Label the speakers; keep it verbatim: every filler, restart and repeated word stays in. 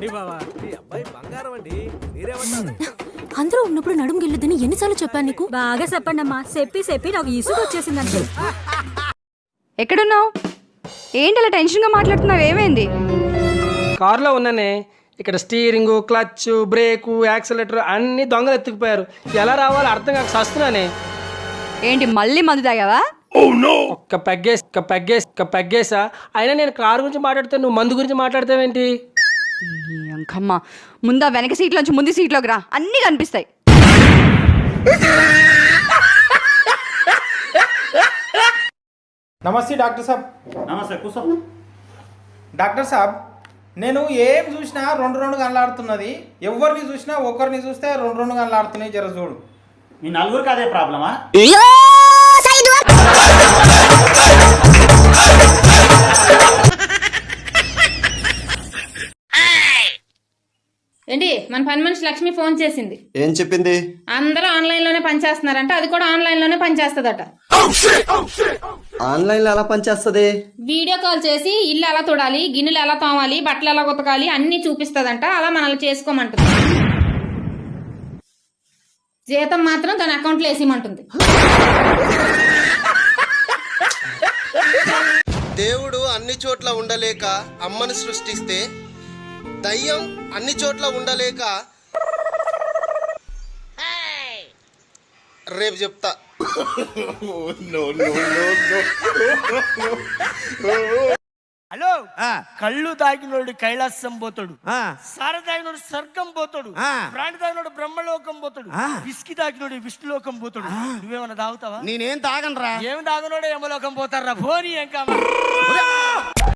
Speaker 1: రండి బావా, మీ అబ్బాయి బంగారం అండి. మీరేమంటారు?
Speaker 2: అందరూ ఉన్నప్పుడు నడుము గిల్లుదని ఎన్నిసార్లు చెప్పాను నీకు?
Speaker 3: బాగా చెప్పండి అమ్మా, చెప్పి చెప్పి నాకు ఇసుగు వచ్చేసిందంటే.
Speaker 4: ఎక్కడున్నావు? ఏంటి అలా టెన్షన్గా మాట్లాడుతున్నావు? ఏమైంది?
Speaker 5: కారులో ఉన్నానే. ఇక్కడ స్టీరింగు, క్లచ్, బ్రేకు, యాక్సిలేటర్ అన్ని దొంగలు ఎత్తుకుపోయారు. ఎలా రావాలో అర్థం కాక సస్తున్నానే.
Speaker 4: ఏంటి మళ్ళీ మందు తాగావా?
Speaker 5: ఒక్క పెగ్గేసి ఒక్క పెగ్గేసి ఒక్క పెగ్గేసా. అయినా నేను కారు గురించి మాట్లాడితే నువ్వు మందు గురించి మాట్లాడతావేంటి?
Speaker 4: అంకమ్మ, ముందా వెనక సీట్లోంచి ముందు సీట్లోకి రా, అన్నీ కనిపిస్తాయి.
Speaker 6: నమస్తే డాక్టర్ సాబ్.
Speaker 7: నమస్తే, కూర్చో.
Speaker 6: డాక్టర్ సాబ్, నేను ఏం చూసినా రెండు రెండు గంటలాడుతున్నది. ఎవరిని చూసినా ఒకరిని చూస్తే రెండు రెండు గంటలాడుతున్నాయి. జర చూడు.
Speaker 7: మీ నలుగురికి అదే ప్రాబ్లమా?
Speaker 8: ఏంటి మన పని మనిషి లక్ష్మి ఫోన్ చేసింది.
Speaker 9: ఏం చెప్పింది?
Speaker 8: అందరూ ఆన్లైన్ లోనే పనిచేస్తున్నారంట, అది కూడా ఆన్లైన్ లోనే పనిచేస్తుందట.
Speaker 9: ఆన్లైన్ లో ఎలా పనిచేస్తుంది?
Speaker 8: వీడియో కాల్ చేసి ఇల్లు ఎలా తోడాలి, గిన్నెలు ఎలా తోమాలి, బట్టలు ఎలా ఉతకాలి అన్ని చూపిస్తుందంట. అలా మనల్ని చేసుకోమంటుంది. జీతం మాత్రం తన అకౌంట్లో వేసిమంటుంది.
Speaker 10: దేవుడు అన్ని చోట్ల ఉండలేక అమ్మను సృష్టిస్తే, దయ్యం అన్ని చోట్ల ఉండలేక రేపు చెప్తా.
Speaker 1: హలో, కళ్ళు తాగినోడు కైలాసం పోతాడు, సార తాగినోడు స్వర్గం పోతాడు, ప్రాణి తాగినోడు బ్రహ్మలోకం పోతాడు, విస్కీ తాగినోడు విష్ణులోకం పోతాడు. నువ్వేమన్నా తాగుతావా?
Speaker 10: నేనేం తాగనరా.
Speaker 1: ఏమి తాగినోడు యమలోకం పోతారా? పోనీ ఏం కావాలి.